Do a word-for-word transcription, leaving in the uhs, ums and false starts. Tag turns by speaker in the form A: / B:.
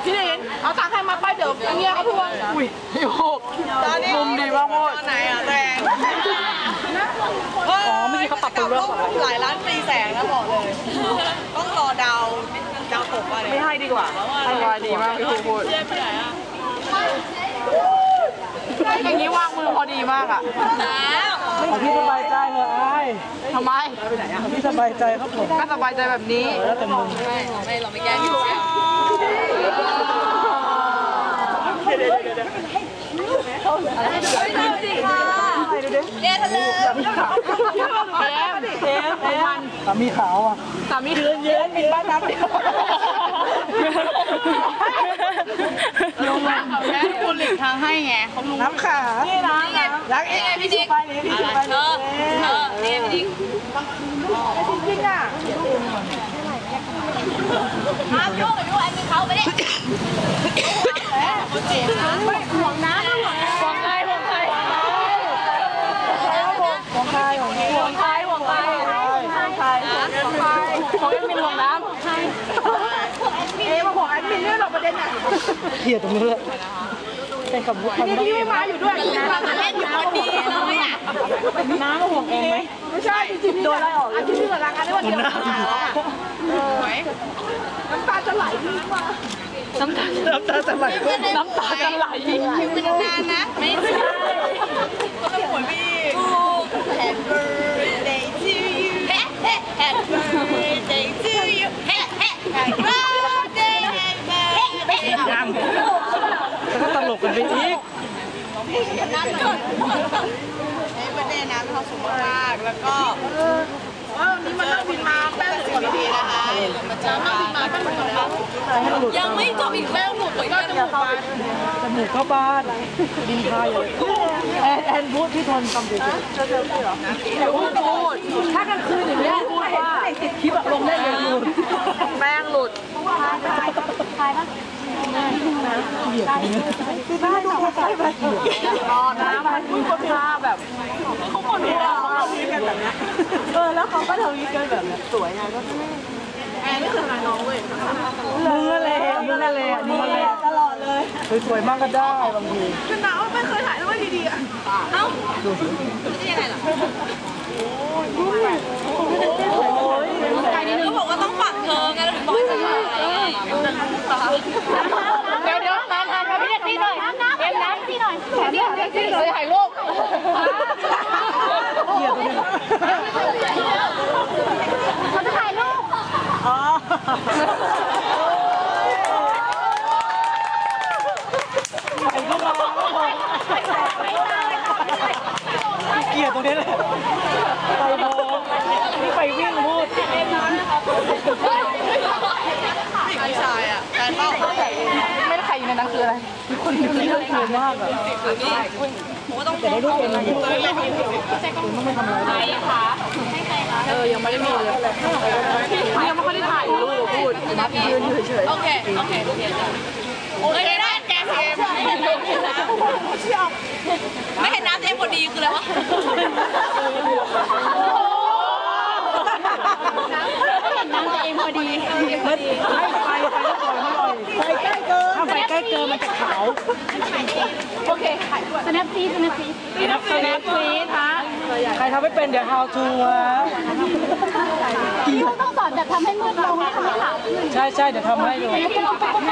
A: พี่ลินเอาตังค์ให้มาไปเดี๋ยวเงี้ยเขาทวงอุ้ยพี่โฮกมุมดีมากโมดไหนอ่ะแดงอ๋อไม่ใช่เขาปรับปรุงเรื่องหลายล้านปีแสงแล้วบอกเลยต้องรอดาวดาวตกอะไรไม่ให้ดีกว่าสบายดีมากพี่โฮกพูดอย่างนี้วางมือพอดีมากอ่ะ
B: พี่สบายใจเหรอไอ้
A: ทำไม
B: พี่สบายใจครับผม
A: ก็สบายใจแบบนี้
B: แล้วแต่มึง
A: ไม่ไม่เราไม่แก้อยู่เอ๊ะทะเลเอ๊ะเอ๊ะมัน
B: สามีขาวอ่ะ
A: สามีเยือนเยือนมีบ้านน้ำเดียวลงมาแม่คุณหลีกทางให้ไงเขาลุง
B: น้ำขา
A: นี่นะรักเองพี่ดิ๊กเธอเธอนี่พี่ดิ๊กจริงอ่ะห้ามยุ่งกับยุ่งไอ้มีเขาไปดิห่วงน้ำห่วงห่วงใครห่วงใคร
B: ห่วงใครห่วงใคร
A: ห่วงใครห่วงใครห่วงใครของแอดมินห่วงน้ำเอ๊ะมาห่วงแอดมินเนี่ยหรอประเด็นอ่ะ
B: เหี้ยตรงนี้เลยเป็นกับบุคคล
A: นี่พี่ไม่มาอยู่ด้วยนะเล่นอยู่คนดีเลยอ่ะ
B: น้ำมาห่วงเองไหม
A: ไม่ใช่จริงๆโดนอะไรออกอันที่ชื่อรักกันได้วันเดียวน้ำตาจะไหลพี่มาน้ำตา
B: น้ำตาจะไหล
A: น้ำตาจะไหลเป็นนานนะไม่ใช่ก็ต้องหัวพี่ Happy birthday to you Happy birthday to you Happy birthday Happy birthday
B: ยังแล้วก็ตลกกันไปอีก
A: น้ำเกิดไอ้ประเด็นน้ำเขาสูงมากแล้วก็ว่าวันนี้มันนั่งบินมาแป้งสิบนาทีนะคะมันจะนั่งบินมาแป้งหมดแล้วยังไม่จบอีกแป้งหมดเลยก็จะหมดไป
B: จมูกเข้าบ้านดินพายเลยแอนแอนพูดที่ทนคำเดียวจะเจอพี่เหรอ
A: เดี๋ยวพูดพูดถ้ากลางคืนอย่างนี้พูดว่า
B: ติดคลิปลงได้เลยหลุด
A: แป้งหลุด
B: ทายทายปะเหี้ยคือบ้านดูใกล้ไป
A: อ๋อน้ำมันมีคนท่าแบบเขาคนเดียวเขาทวีกันแบบนี้
B: เออแล้วเขาก็ทวีกันแบบสวยไงก็
A: แอนนี่คือหาน้องเว้ย
B: มึงอะไรมึงอะไรมึงอะไรตลอดเลยสวยๆมากก็ได้บางที
A: คือหนาวไม่เคยถ่ายรูปดีๆอ่ะเอ้าจะยังไงล่ะโอ้ยใครนี่นึงก็บอกว่าต้องฝักเธอไงแล้วถึงบอกให้ถ่ายเดี๋ยวเดี๋ยวน้ำน้ำพี่เด็กซี่หน่อยเอ็มน้ำซี่หน่อยเดี๋ยวเด็กซี่เลยถ่ายรูป
B: เหี้ยตัวนี้
A: เขาจะถ่ายรูป
B: อ๋อไปก็มาเกลียดตรงนี้เลยไปโบนี่ไปวิ่งพูด
A: ไม่ใช่อ่ะการเล่าไม่ได้ใครอยู่ในนั้นคืออะไร
B: คนที่เรื่องเยอะมากอ่ะ
A: ผมก็ต้อง
B: จะได้รูปเองนะต้องไม่ทำอะไร
A: ค่ะเออยังไม่ได้มีเลยยังไม่ค่อยได้ถ่ายรูปพูดยืนอยู่เฉยๆโอเคโอเคโอเคโอเคได้แกเกมไม่เห็นน้ำไม่เห็นน้ำเองพอดีคืออะไรวะน้ำเองพอดี
B: ไฟไฟไฟก็ปล่อยให้ลอยไฟใกล้เกินถ้าไฟใกล้เกินมันจะขาว
A: โอเคถ่ายด้วยสแนปซีสแนปซีสแนปซีค่ะ
B: ใครทำไม่เป็นเดี๋ยว how to วะ
C: ต้องสอนแบบทำให้มืดลงให้ทำให้ขาวขึ้น
B: ใช่ใช่เดี๋ยวทำให้ดู
C: ให้